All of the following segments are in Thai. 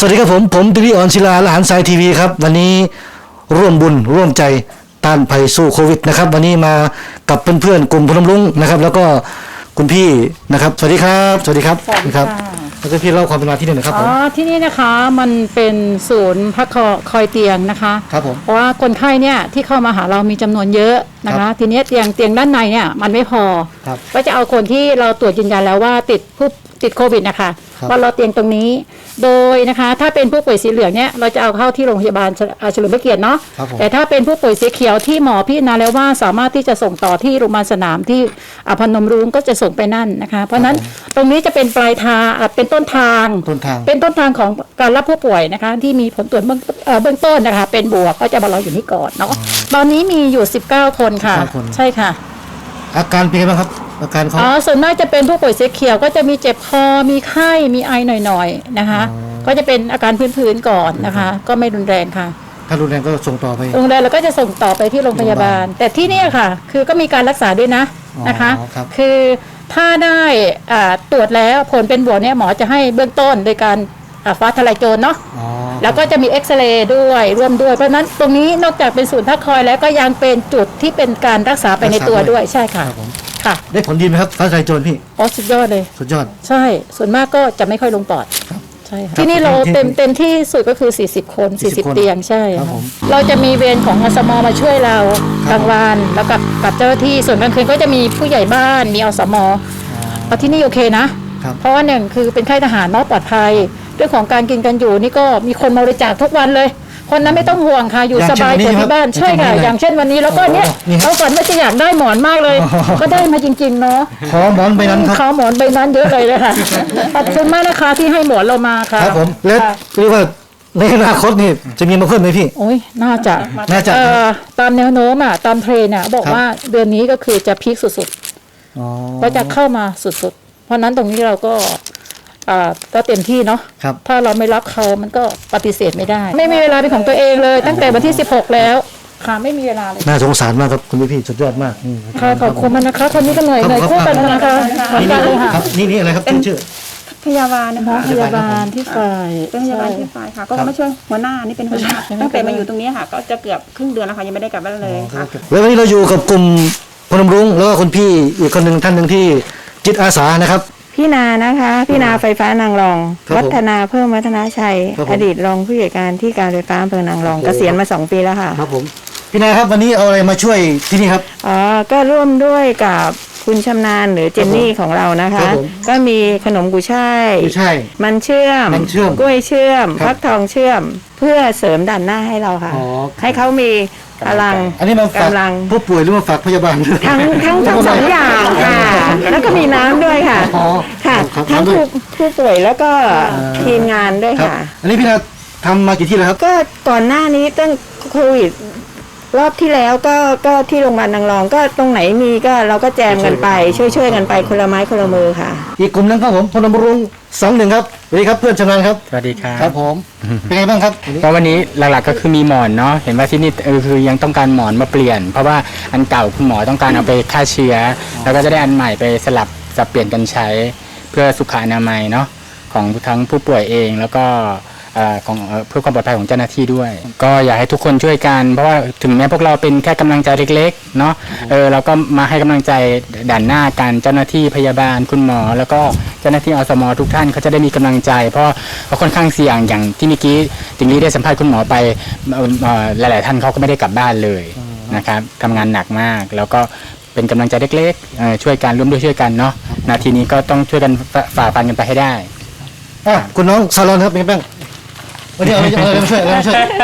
สวัสดีครับผมดิริออนศิลาละหันสายทีวีครับวันนี้ร่วมบุญร่วมใจต้านภัยสู้โควิดนะครับวันนี้มากับเพื่อนๆกลุ่มพนมรุ้งนะครับแล้วก็คุณพี่นะครับสวัสดีครับสวัสดีครับครับแล้วก็พี่เล่าความเป็นมาที่นี่นะครับผมที่นี่นะคะมันเป็นศูนย์พักคอยเตียงนะคะครับผมเพราะว่าคนไข้เนี่ยที่เข้ามาหาเรามีจำนวนเยอะนะคะทีนี้เตียงด้านในเนี่ยมันไม่พอก็จะเอาคนที่เราตรวจยืนยันแล้วว่าติดโควิดนะคะว่าเราเตียงตรงนี้โดยนะคะถ้าเป็นผู้ป่วยสีเหลืองเนี่ยเราจะเอาเข้าที่โรงพยาบาลเฉลิมพระเกียรติเนาะแต่ถ้าเป็นผู้ป่วยสีเขียวที่หมอพิจารณาแล้วว่าสามารถที่จะส่งต่อที่โรงพยาบาลสนามที่พนมรุ้งก็จะส่งไปนั่นนะคะเพราะนั้นตรงนี้จะเป็นปลายทางเป็นต้นทางของการรับผู้ป่วยนะคะที่มีผลตรวจเบื้องต้นนะคะเป็นบวกก็จะมาเราอยู่นี่ก่อนเนาะตอนนี้มีอยู่19คนค่ะใช่ค่ะอาการเป็นไงบ้างครับอาการเขาส่วนมากจะเป็นผู้ป่วยสีเขียวก็จะมีเจ็บคอมีไข้มีไอหน่อยๆนะคะก็จะเป็นอาการพื้นๆก่อนนะคะก็ไม่รุนแรงค่ะถ้ารุนแรงก็ส่งต่อไปรุนแรงแล้วก็จะส่งต่อไปที่โรงพยาบาลแต่ที่นี่ค่ะคือก็มีการรักษาด้วยนะคะคือถ้าได้ตรวจแล้วผลเป็นบวกเนี่ยหมอจะให้เบื้องต้นโดยการฟ้าทลายโจรเนาะแล้วก็จะมีเอ็กซเรย์ด้วยร่วมด้วยเพราะนั้นตรงนี้นอกจากเป็นศูนย์พักคอยแล้วก็ยังเป็นจุดที่เป็นการรักษาไปในตัวด้วยใช่ค่ะค่ะได้ผลดีไหมครับฟ้าทลายโจรพี่สุดยอดเลยสุดยอดใช่ส่วนมากก็จะไม่ค่อยลงปอดใช่ที่นี่เราเต็มที่สุดก็คือ40คน40เตียงใช่เราจะมีเวรของอสมมาช่วยเรากลางวันแล้วกับเจ้าหน้าที่ส่วนกลางคืนก็จะมีผู้ใหญ่บ้านมีอสมที่นี่โอเคนะเพราะว่าหนึ่งคือเป็นค่ายทหารเนาะปลอดภัยเรื่องของการกินกันอยู่นี่ก็มีคนมาบริจาคทุกวันเลยคนนั้นไม่ต้องห่วงค่ะอยู่สบายกว่าที่บ้านใช่ค่ะอย่างเช่นวันนี้แล้วก็เนี่ยเราฝันว่าจะอยากได้หมอนมากเลยก็ได้มาจริงๆเนาะขอหมอนใบนั้นครับขอหมอนใบนั้นเยอะเลยค่ะขอบคุณมากนะคะที่ให้หมอนเรามาค่ะครับผมและเรียกว่าในอนาคตนี่จะมีมาเพิ่มไหมพี่โอ้ยน่าจะตามแนวโน้มตามเทรนด์บอกว่าเดือนนี้ก็คือจะพีคสุดๆก็จะเข้ามาสุดๆเพราะนั้นตรงนี้เราก็เต็มที่เนาะถ้าเราไม่รับเขามันก็ปฏิเสธไม่ได้ไม่มีเวลาเป็นของตัวเองเลยตั้งแต่วันที่16แล้วค่ะไม่มีเวลาเลยน่าสงสารมากครับคุณพี่สุดยอดมากค่ะขอบคุณมากนะคะคนนี้ก็เหนื่อยคู่กันนะคะนี่นี่อะไรครับชื่อพยาบาลนะคะพยาบาลที่ฝ่ายเป็นพยาบาลที่ฝ่ายค่ะก็มาช่วยหัวหน้านี่เป็นหัวหน้าตั้งแต่มาอยู่ตรงนี้ค่ะก็จะเกือบครึ่งเดือนแล้วค่ะยังไม่ได้กลับบ้านเลยค่ะแล้ววันนี้เราอยู่กับกลุ่มพนมรุ้งแล้วก็คุณพี่อีกคนหนึ่งท่านหนึ่งที่จิตอาสานะครับพี่นานะคะพี่นาไฟฟ้านางรองวัฒนาเพิ่มวัฒนาชัยอดีตรองผู้ใหญ่การที่การไฟฟ้าอำเภอนางรองเกษียณมา2 ปีแล้วค่ะครับผมพี่นาครับวันนี้เอาอะไรมาช่วยที่นี่ครับก็ร่วมด้วยกับคุณชำนาญหรือเจนนี่ของเรานะคะก็มีขนมกุยช่ายมันเชื่อมกล้วยเชื่อมฟักทองเชื่อมเพื่อเสริมด่านหน้าให้เราค่ะให้เขามีพลังอันนี้มาฝากผู้ป่วยหรือมาฝากพยาบาลทั้ง2 อย่างค่ะแล้วก็มีน้ำด้วยค่ะค่ะทั้งผู้ป่วยแล้วก็ทีมงานด้วยค่ะอันนี้พี่นาทำมากี่ที่แล้วครับก็ก่อนหน้านี้ตั้งโควิดรอบที่แล้วก็ที่โรงพยาบาลนางรองก็ตรงไหนมีก็เราก็แจมกันไปช่วยกันไปคนละไม้คนละมือค่ะอีกกลุ่มนึงครับผมพนมรุ้ง21ครับสวัสดีครับเพื่อนชำนาญครับสวัสดีครับครับผมเป็นไงบ้างครับก็วันนี้หลักๆก็คือมีหมอนเนาะเห็นว่าที่นี่คือยังต้องการหมอนมาเปลี่ยนเพราะว่าอันเก่าคุณหมอต้องการเอาไปฆ่าเชื้อแล้วก็จะได้อันใหม่ไปสับเปลี่ยนกันใช้เพื่อสุขอนามัยเนาะของทั้งผู้ป่วยเองแล้วก็ของเพื่อความปลอดภัยของเจ้าหน้าที่ด้วยก็อยากให้ทุกคนช่วยกันเพราะว่าถึงแม้พวกเราเป็นแค่กำลังใจเล็กๆเนาะเราก็มาให้กำลังใจด่านหน้ากันเจ้าหน้าที่พยาบาลคุณหมอแล้วก็เจ้าหน้าที่อสมทุกท่านเขาจะได้มีกำลังใจเพราะค่อนข้างเสี่ยงอย่างที่เมื่อกี้ติงลี่ได้สัมภาษณ์คุณหมอไปหลายๆท่านเขาก็ไม่ได้กลับบ้านเลยนะครับทำงานหนักมากแล้วก็เป็นกำลังใจเล็กๆช่วยกันร่วมด้วยช่วยกันเนาะนาทีนี้ก็ต้องช่วยกันฝ่าฟันกันไปให้ได้คุณน้องซาลอนครับเป็นไงบ้างวันนี้อะไรมาช่วย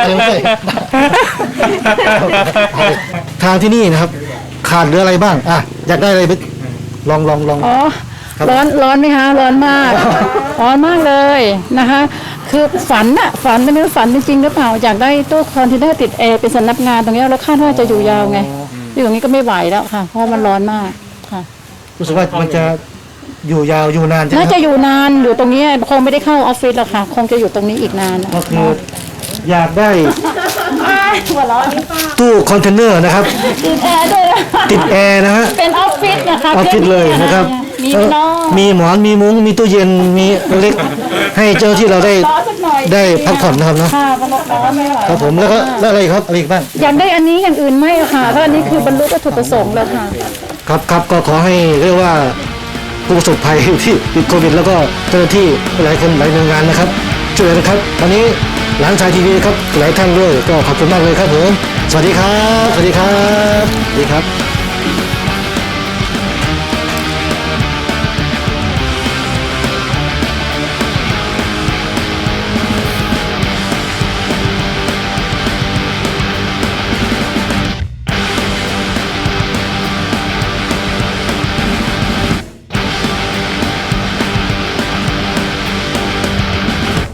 ทางที่นี่นะครับขาดเหลืออะไรบ้างอยากได้อะไรไปลองร้อนไหมคะร้อนมากเลยนะคะคือฝันไม่รู้ฝันจริงหรือเปล่าอยากได้ตู้คอนเทนเนอร์ติดแอร์เป็นสำนักงานตรงนี้แล้วคาดว่าจะอยู่ยาวไงอยู่ตรงนี้ก็ไม่ไหวแล้วค่ะเพราะมันร้อนมากค่ะรู้สึกว่ามันจะอยู่ยาวอยู่นานน่าจะอยู่นานอยู่ตรงนี้คงไม่ได้เข้าออฟฟิศหรอกค่ะคงจะอยู่ตรงนี้อีกนานก็คืออยากได้ตู้คอนเทนเนอร์นะครับติดแอร์ด้วยติดแอร์นะฮะเป็นออฟฟิศนะคะออฟฟิศเลยนะครับมีนอนมีหมอนมีมุ้งมีตู้เย็นมีเล็กให้เจ้าที่เราได้ร้อนสักหน่อยได้พักผ่อนนะครับเนาะค่ะบรรลุร้อนไม่ไหวครับผมแล้วก็แล้วอะไรอีกครับอะไรอีกบ้างอยากได้อันนี้อย่างอื่นไม่ค่ะเพราะอันนี้คือบรรลุวัตถุประสงค์แล้วค่ะครับครับก็ขอให้เรียกว่าผู้ประสบภัยที่ติดโควิดแล้วก็เจ้าหน้าที่หลายคนหลายหน่วยงานนะครับช่วยเหลือนะครับวันนี้หลานชายทีวีครับหลายท่านด้วยก็ขอบคุณมากเลยครับผมสวัสดีครับสวัสดีครับสวัสดีครับ